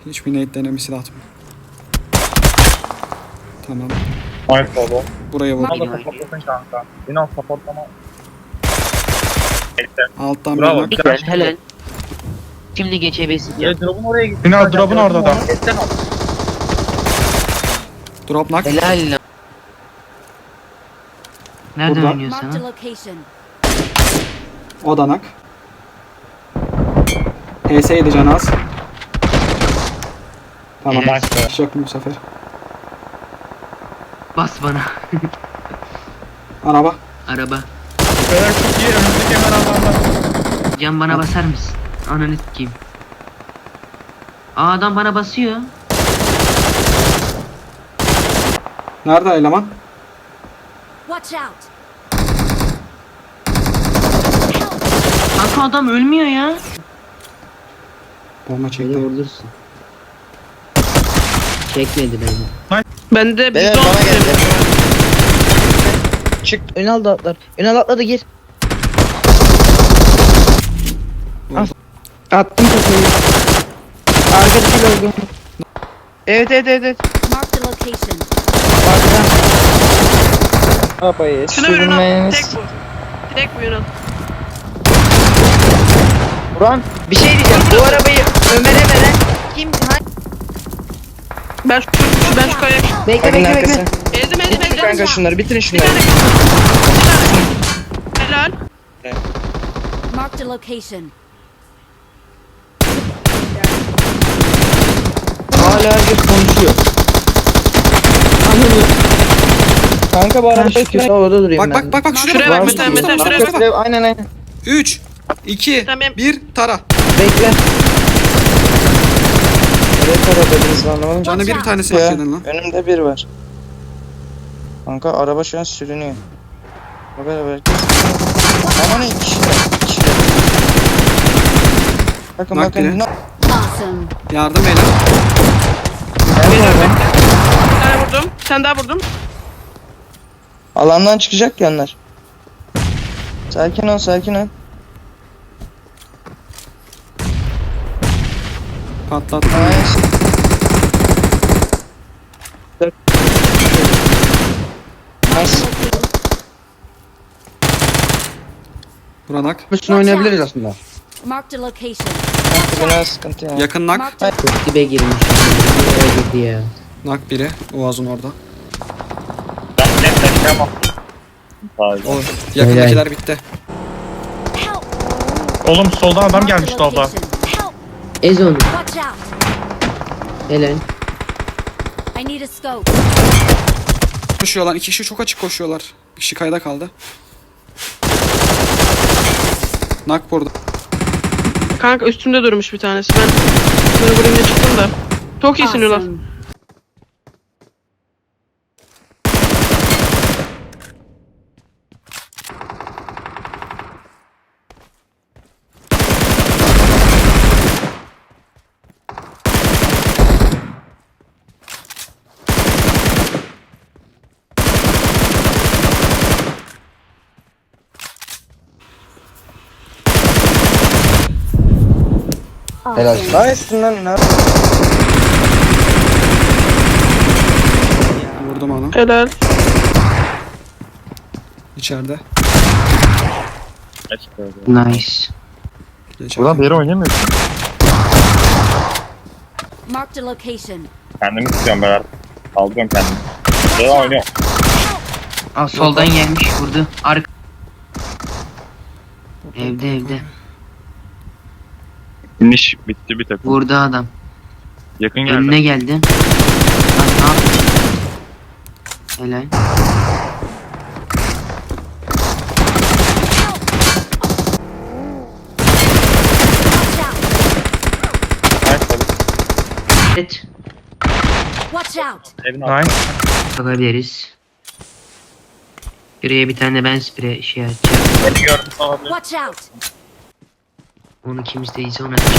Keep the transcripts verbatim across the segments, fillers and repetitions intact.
Hiçbir nade denemesi de atmıyor. Tamam. Nice baba. Buraya vur. Bana da supportlasın kanka. Beni al supportlama. Bekle. Alttan Bravo. bir nak. Helal helal. Şimdi geçebilirsin. Ya drop'un oraya gitti. Beni al, drop'un orada da. Etten al. Drop nak. Helal lan. Nereden Burada. oynuyorsun Marked a ha? location. O da nak. H S yedi canı az. Tamam. Evet. Bir şey yok mu bu sefer? Bas bana. Araba. Araba. Beyler çok iyi. Önümüzdeki hemen adamlar. Can bana basar mısın? Ananı sikeyim. Aa adam bana basıyor. Nerede eleman? Watch out. Kanka adam ölmüyor ya. Bomba Beni çekti. vurursun. Çekmedi beni. Ben de Beyler bizon bana geldi. Çık. Ünal da atlar. Ünal atladı gir. Al. Attım kafayı. Arkadaki öldü. Evet evet evet evet. Marked a location. Arkadan. Arabayı şuna bir Ünal. sürmeniz. Tek bu. Tek bu Ünal. Buran bir şey diyeceğim. Bu arabayı Ömer'e veren kim? Ha? Ben şu, şu ben şu kaya. Bekle bekle bekle. Ezdim ezdim Bitirin ezdim. kanka şunları bitirin Bir şunları. tane kaldı. Bir tane. Helal. Marked a location. Hala herkes konuşuyor. Anladım. Kanka bu arada kötü havada duruyor. Bak bak bak bak şuraya Şuraya bak. bak, Bak, mesela, bak, mesela bak, şuraya bak, bak. bak. Aynen aynen. üç, iki, Tamam. bir, tara. Bekle. Evet aradınız anlamadım. Canı bir tanesi Ya, hakikaten lan. önümde bir var. Kanka araba şu an sürünüyor. Haber haber. Aman ne kişiler. Kişiler. Bakın Bak bakın. biri. Ne? Awesome. Yardım eyle. Geliyorum bekle. Bir tane vurdum. Bir tane daha vurdum. Alandan çıkacak ya onlar. Sakin ol sakin ol. Patlat. Nice. Nice. Buranak. Üstüne oynayabiliriz aslında. Marked a location. Kanka biraz sıkıntı ya. Yakın nak. Marked a Çok dibe girmiş. Nereye girdi ya? Nak biri. Oğaz'ın orada. Ben net taşıyamam. Sadece. O yakındakiler bitti. help. Oğlum soldan adam Marked a gelmiş solda. location. Help. Ez onu. Watch out. Helal. I need a scope. Koşuyorlar. İki kişi çok açık koşuyorlar. Bir kişi kayda kaldı. Nak burada. Kanka üstümde durmuş bir tanesi. Ben bunu vurayım diye çıktım da. Çok iyisin Ünal. Awesome. Helal. Nice lan ne? Vurdum onu. Helal. İçeride. Ne çıkıyor? Nice. Geçer. Buradan bir yere oynayamıyorsun. Marked a location. Kendimi tutuyorum ben artık. Kaldırıyorum kendimi. Devam oynuyorum. Aa soldan gelmiş vurdu. Arka. Evde evde. Finish bitti bir takım. Vurdu adam. Yakın geldi. Önüne geldi. Lan ne yaptın? Helal. Watch out. Nice tabii. Evet. Watch out. Evin altında. Nice. Bakabiliriz. Şuraya bir tane ben sprey şey atacağım. Beni gördüm olabilir. Watch out. Onu kim isteyse ona atacağım.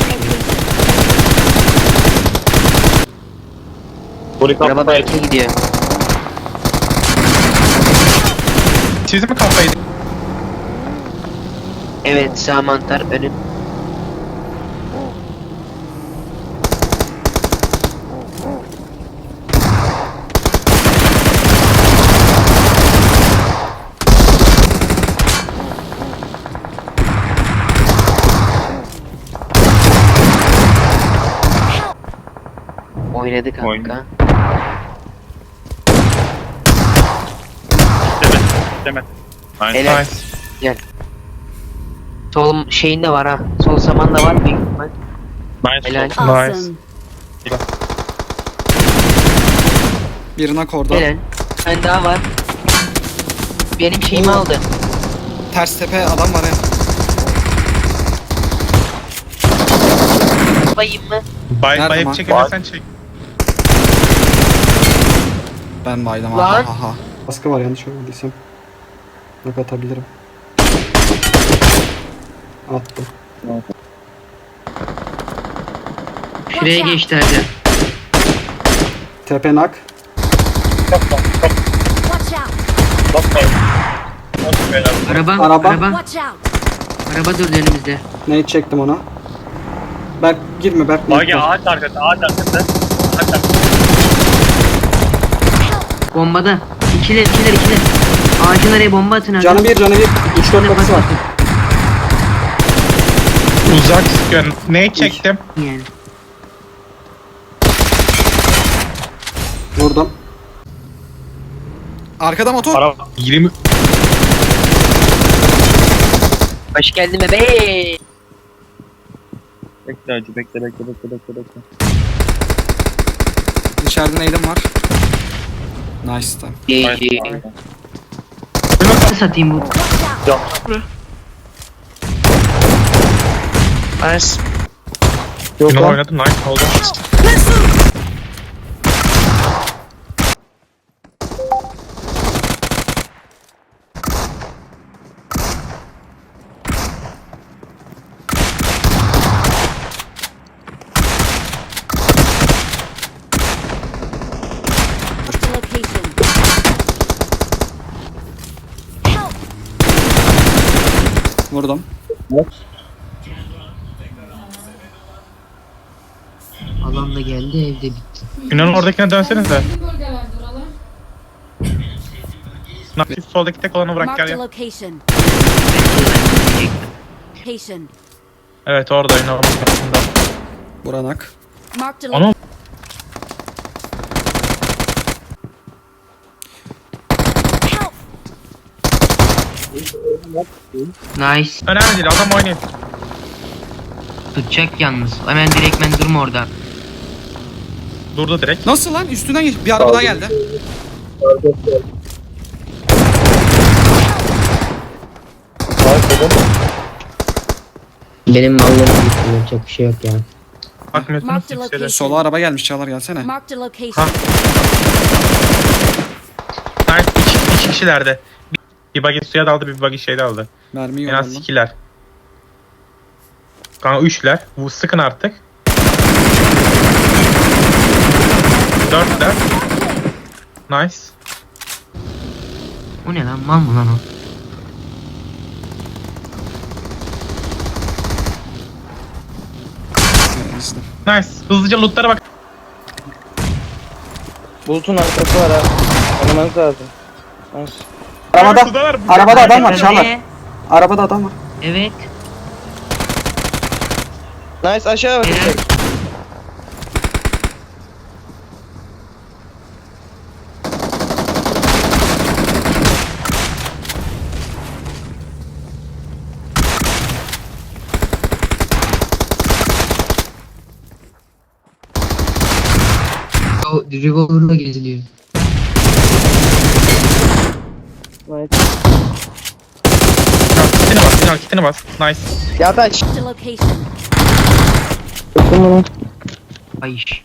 Polis Araba altında belki gidiyor. Siz mi kafayı? Evet sağ mantar önüm. Oynadı kanka. Oynadı. Demet. Demet. Helal. Nice. Sol şeyinde var ha. Sol samanda var büyük ihtimal. Nice. Helal. Awesome. Birine kordu. Helal. Ben daha var. Benim şeyimi Oo. aldı. Ters tepe adam var ya. Bayım mı? Bay Nerede bayıp lan? çekemezsen çek. Ben baydım. Lan. Ha ha ha. Baskı var yanlış görmediysem. Yok atabilirim. Attım. Şuraya geçti hadi. Tepe nak. Watch out. Bakmayın. Nasıl beyler? Araba, Araba. araba. Watch out. Araba durdu önümüzde. Neyi çektim ona. Berk girme Berk. Bagi ağaç arkası, ağaç arkası. Ağaç arkası. Bombada. İkiler, ikiler, ikiler. Ağacın araya bomba atın hadi. Canı bir canı bir. üç dört kapısı var. Uzak sıkıyorsun. Neyi çektim? Yani. Vurdum. Arkada motor. Araba. yirmi. Hoş geldin bebe. Bekle acı, bekle, bekle, bekle, bekle, bekle. İçeride neydim var. Nice tamam. Ee, Nice. nasıl satayım bu? Watch out. Nice. Yok Yunan lan. oynadı. Nice oldu. Marked a location. Help. Vurdum. Alan da geldi evde bitti. Yunan'ın oradakine dönsenize. Nasıl soldaki tek olanı bırak Marked gel a ya. location. Location. Evet orada Yunan'ın arkasında. Buranak. Marked a Ana. location. Help. Nice. Önemli değil adam oynayın. Tutacak yalnız. Hemen direktmen durma orada. Durdu direkt. Nasıl lan? Üstünden geç. Bir araba daha geldi. Benim mallım bitti. Yapacak bir şey yok ya. Bakmıyorsunuz Marked kimseye. location. Sola araba gelmiş Çağlar gelsene. Marked a Ha. location. Nice. İki, iki kişilerde. Bir, bir buggy suya daldı, bir buggy şeyde aldı. Mermi En az yolladım. ikiler. Kanka üçler. Bu sıkın artık. Dörtler. Nice. O ne lan? Mal mı lan o? İşte. Nice. Hızlıca lootlara bak. Bulutun arkası var ha. Oynamanız lazım. Nice. Arabada. Sudalar. Arabada adam var Çağlar. Ee, Arabada adam var. Evet. Nice aşağı bakın. Evet. O revolver'la geziliyor. Nice. Tamam, kitini bas. Sinan kitini bas. Nice. Ya taş. Marked a location. Tuttum bunu. Ay iş.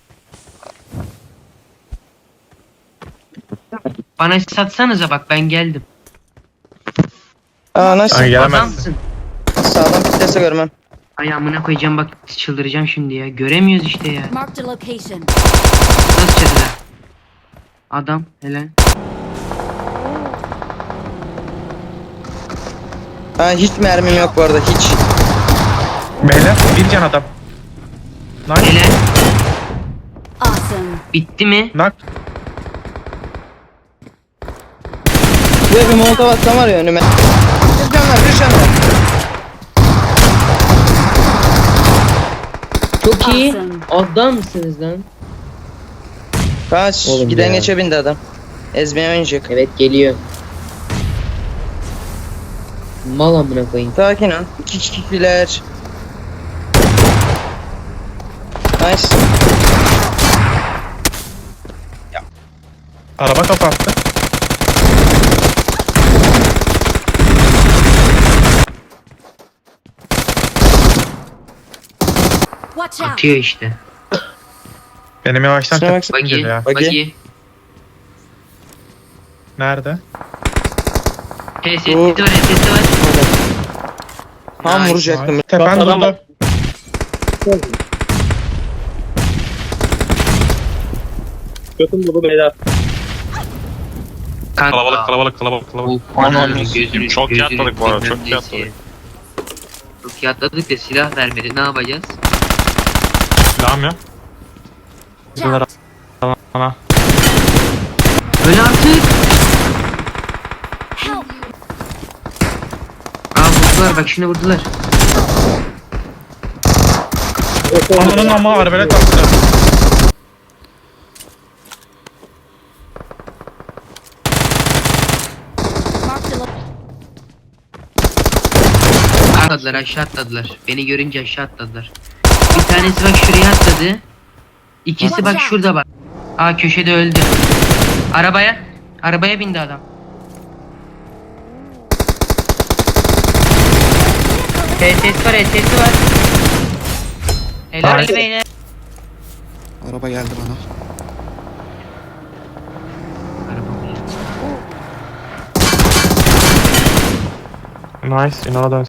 Bana satsanıza bak ben geldim. Aa nice. Ay gelemezsin. Adamsın. Sağdan pitlese görmem. Ay amına koyacağım bak çıldıracağım şimdi ya. Göremiyoruz işte ya. Marked a location. Nasıl çatıda? Adam helal. Ha hiç mermim yok bu arada hiç. Beyler bir can adam. Nice. Helal. Awesome. Bitti mi? Nak. Buraya bir molotov atsam var ya önüme. Bir can var bir can var. Çok iyi. Awesome. Adam mısınız lan? Kaç. Oğlum Giden ya. geçe bindi adam. Ezmeye oynayacak. Evet geliyor. Mal amına koyayım. Sakin ol. İki kişiler. Nice. Araba kapattı. Watch out! Atıyor işte. Benim yavaştan Şuna tepkim baksana. Bagi. geliyor ya. Bagi. Bagi. Nerede? Hey sesi var sesi var. Tam Nice. vuracaktım. Tepen durdu. Götüm dolu beyler. Kanka. Kalabalık kalabalık kalabalık kalabalık. Uf, Aman ananı Allah'ım. gözünü- Çok iyi gözünü atladık bu arada, bilmem çok iyi neyse. atladık. Çok iyi atladık da silah vermedi. Ne yapacağız? Silahım yok. Watch out! Ana. Öl artık. Help! Aa vurdular bak şimdi vurdular. Ananın ama arbelet attı. Mark the lo- Atladılar aşağı atladılar. Beni görünce aşağı atladılar. Bir tanesi bak şuraya atladı. İkisi bak şurada bak. Aa köşede öldü. Arabaya. Arabaya bindi adam. H S var H S var. Helal Nice. beyler. Araba geldi bana. Araba. Nice. İnana dön.